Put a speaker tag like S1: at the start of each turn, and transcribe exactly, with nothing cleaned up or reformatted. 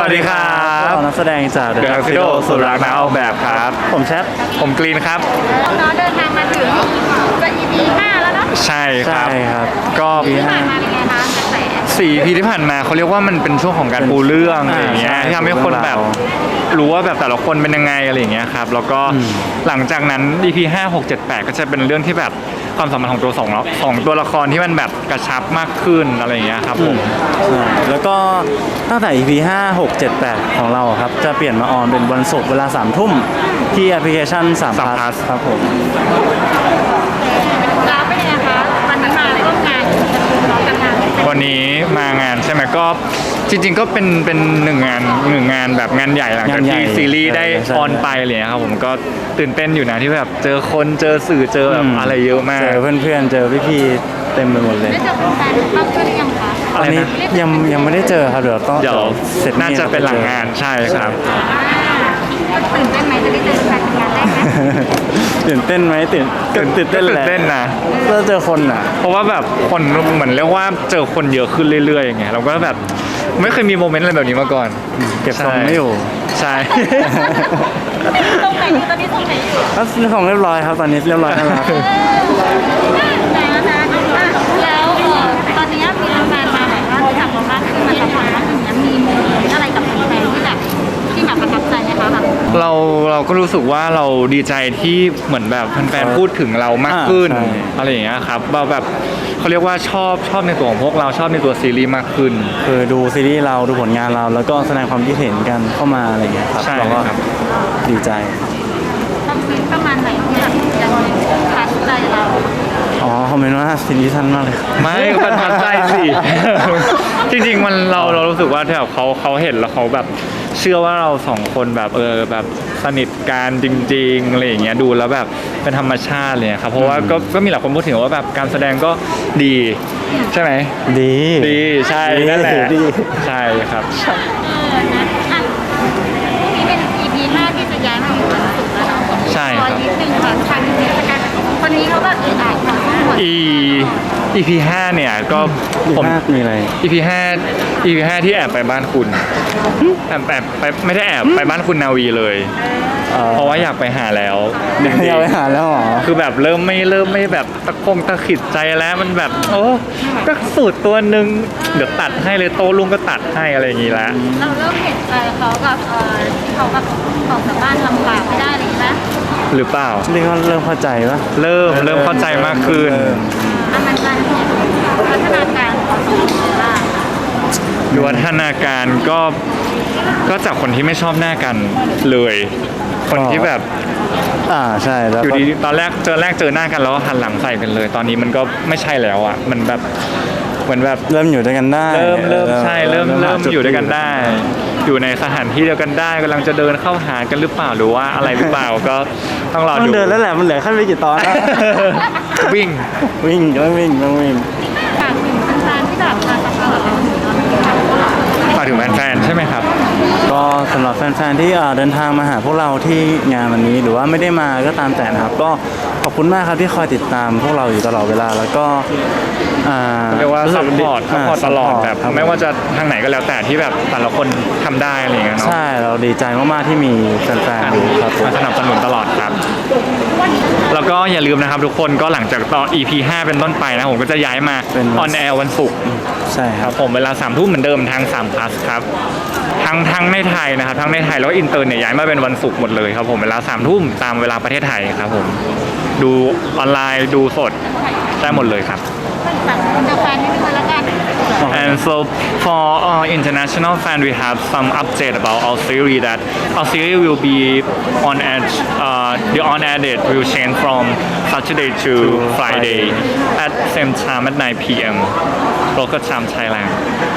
S1: วัสดีครับ
S2: เรานักแสดงจาก
S1: The Tuxedo สุรักษ์นักออกแบบครับ
S2: ผมแชท
S1: ผมกรีนครับ
S3: น้องเดินทางมาถึงจะ อี พี ห้าแล้วเนาะ
S1: ใช่ครับ
S2: ใช่ครับ
S1: ก็
S3: ที่ผ่านมาเป็นไงคะกระแส
S1: สี่ อี พี ที่ผ่านมาเขาเรียกว่ามันเป็นช่วงของการปูเรื่องอะไรอย่างเงี้ยที่ทำให้คนแบบรู้ว่าแบบแต่ละคนเป็นยังไงอะไรอย่างเงี้ยครับแล้วก็หลังจากนั้น อี พี ห้า หก เจ็ด แปด ก็จะเป็นเรื่องที่แบบความสัมพันธ์ของตัวสองเนาะของตัวละครที่มันแบบกระชับมากขึ้นอะไรอย่างเงี้ยครับผม
S2: ใช่แล้วก็ตั้งแต่ อี พี ห้า หก เจ็ด แปด ของเราครับจะเปลี่ยนมาออนเป็นวันศุกร์เวลาสามทุ่มที่แอปพลิเคชันสาม plus ครับผม
S3: แล้วเป็นไงคะวันนี้มาร่วมงานน้องทำงาน
S1: วันนี้มางานใช่ไหมก็จริงๆก็เป็นเป็นหนึ่งงานหนึ่งงานแบบงานใหญ่หลังจากที่ซีรีส์ได้ออนไปเลยครับผมก็ตื่นเต้นอยู่นะที่แบบเจอคนเจอสื่อเจอแบบอะไรเยอะมาก
S2: เจอเพื่อนๆเจอพี่ๆเต็มไปหมดเลย
S3: ได้เจอแฟนๆบ้างหรือยังคะ
S2: ตอนนี้ยังยังไม่ได้เจอครับเดี๋ยวต้อง
S1: เดี๋ยว
S2: เสร็จ
S1: น่าจะเป็นหลังงานใช่ครับ
S3: ตื่นเต้นไหมจะได้เจอแฟนเป็นงานแรกไหม
S2: ตื่นเต้นไหมตื่นตื่นเต้นแหละ
S1: ตื่นเต้นนะ
S2: ก็เจอคนอ่ะ
S1: เพราะว่าแบบคนเหมือนเรียกว่าเจอคนเยอะขึ้นเรื่อยๆอย่างเงี้ยเราก็แบบไม่เคยมีโมเมนต์อะไรแบบนี้มาก่อน
S2: เก็บทรงไม่อยู่
S1: ใช่
S3: ตรงไหนอยู่ตอนนี้ตรงไหนอยู่
S2: ก็ซื้อของเรียบร้อยครับตอนนี้เรียบร้อยแล้วครับ
S3: แล้วตอนนี้มีแฟนมาแบบว่ารู้จักเรามากขึ้นมาสัมผัสมากขึ้นนั้นมีโมเมนต์อะไรกับแฟนที่แบบที่แบบประทับใจไหมคะแบบ
S1: เราเราก็รู้สึกว่าเราดีใจที่เหมือนแบบแฟนๆพูดถึงเรามากขึ้นอะไรอย่างเงี้ยครับเราแบบเขาเรียกว่าชอบชอบในตัวของพวกเราชอบในตัวซีรีส์มากขึ้น
S2: คือดูซีรีส์เราดูผลงานเราแล้วก็แสดงความคิดเห็นกันเข้ามาอะไรอย่างเงี้ยครับเราก็ดีใจ
S3: คอมเมนต์ประมาณไหนที่แบบยังประทับใจเรา
S2: อ๋อคอมเมนต์ว่าซีรีส์สั้นมากเลย
S1: ไม่ประทับใจสิจริงๆมันเราเรารู้สึกว่าที่แบบเขาเขาเห็นแล้วเขาแบบเชื่อว่าเราสองคนแบบเออแบบสนิทกันจริงๆอะไรอย่างเงี้ยดูแล้วแบบเป็นธรรมชาติเลยครับเพราะว่าก็ก็มีหลายคนพูดถึงว่าแบบการแสดงก็ดีใช่ไหม
S2: ดี
S1: ดีใช่นั่นแหละใช่ครับ
S3: เออนะอ่ะนี่เป็น อี พี ห้าที่จะย้ายมาอยู่วันศุกร์แล้วเนาะ
S1: ใช่ครับ
S3: นิดนึงค่ะทางเทศกาลคนนี้เขาแบบเอออ่านของหมด
S1: อี อี พี ห้าเนี่ยก็
S2: ผมมีอะไร
S1: อี พี ห้า อี พี ห้าที่แอบไปบ้านคุณแอบแอบไปไม่ได้แอบไปบ้านคุณนาวีเลยเพราะว่าอยากไปหาแล้ว
S2: อยากไปหาแล้วหรอ
S1: คือแบบเริ่มไม่เริ่มไม่แบบตะคงตะขิดใจแล้วมันแบบโอ้ก็สูตรตัวหนึ่งเดี๋ยวตัดให้เลยโตลุงก็ตัดให้อะไรอย่างงี้แล้ว
S3: เราเริ่มเห็นใจเขากับเออที่เขาแบบออกจากบ้านลำบากไม่ได้เลยนะ
S1: หรือเปล่า
S2: เรียกว่าเริ่มเข้าใจปะ
S1: เริ่มเริ่มเข้าใจมากขึ้น
S3: มันจะเห็นพัฒนาการของสองคนว่า
S1: วิวัฒนาการก็ก็จากคนที่ไม่ชอบหน้ากันเลยคนที่แบบ
S2: อ่าใช่แล้ว
S1: อยู่ดีตอนแรกเจอแรกเจอหน้ากันแล้วหันหลังใส่กันเลยตอนนี้มันก็ไม่ใช่แล้วอ่ะมันแบบเหมือนแบบ
S2: เริ่มอยู่ด้วยกันได้
S1: เริ่มเริ่มใช่เริ่มเริ่มอยู่ด้วยกันได้อยู่ในสถานที่เดียวกันได้กำลังจะเดินเข้าหากันหรือเปล่าหรือว่าอะไรหรือเปล่าก็ต้องรอดู
S2: ต้องเดินแล้วแหละมันเหลือขั้นไปกี่ตอน
S1: วิ่ง
S2: วิ่งต้องวิ่งต้องวิ่ง
S3: ฝากถึงแฟนๆที่แบบมาซัพพอร์ตเรา
S1: ฝากถึงแฟนๆใช่ไหมครับ
S2: ก็สำหรับแฟนๆที่เดินทางมาหาพวกเราที่งานวันนี้หรือว่าไม่ได้มาก็ตามแต่นะครับก็ขอบคุณมากครับที่คอยติดตามพวกเราอยู่ตลอดเวลาแล้วก็
S1: เรียกว่าซัพพอร์ตซัพพอร์ตตลอดแบบไม่ว่าจะทางไหนก็แล้วแต่ที่แบบแต่ละคนทำได้อะไรอย่างเงี้ยเนาะ
S2: ใช่เราดีใจมากๆที่มีแฟนๆครับ
S1: มาสนับสนุนตลอดครับแล้วก็อย่าลืมนะครับทุกคนก็หลังจากต่อ อี พี ห้าเป็นต้นไปนะผมก็จะย้ายมาออนแอร์วันศุกร์
S2: ใช่ครับ
S1: ผมเวลาสามทุ่มเหมือนเดิมทางสาม plus ครับทั้งทั้งในไทยนะครับทั้งในไทยแล้วก็อินเตอร์เนี่ยย้ายมาเป็นวันศุกร์หมดเลยครับผมเวลาสามทุ่มตามเวลาประเทศไทยครับผมดูออนไลน์ดูสดได้หมดเลยครับ And so for our international fan, we have some update about our series that our series will be on air. Uh, the on air date will change from Saturday to Friday at same time at nine p m local time Thailand.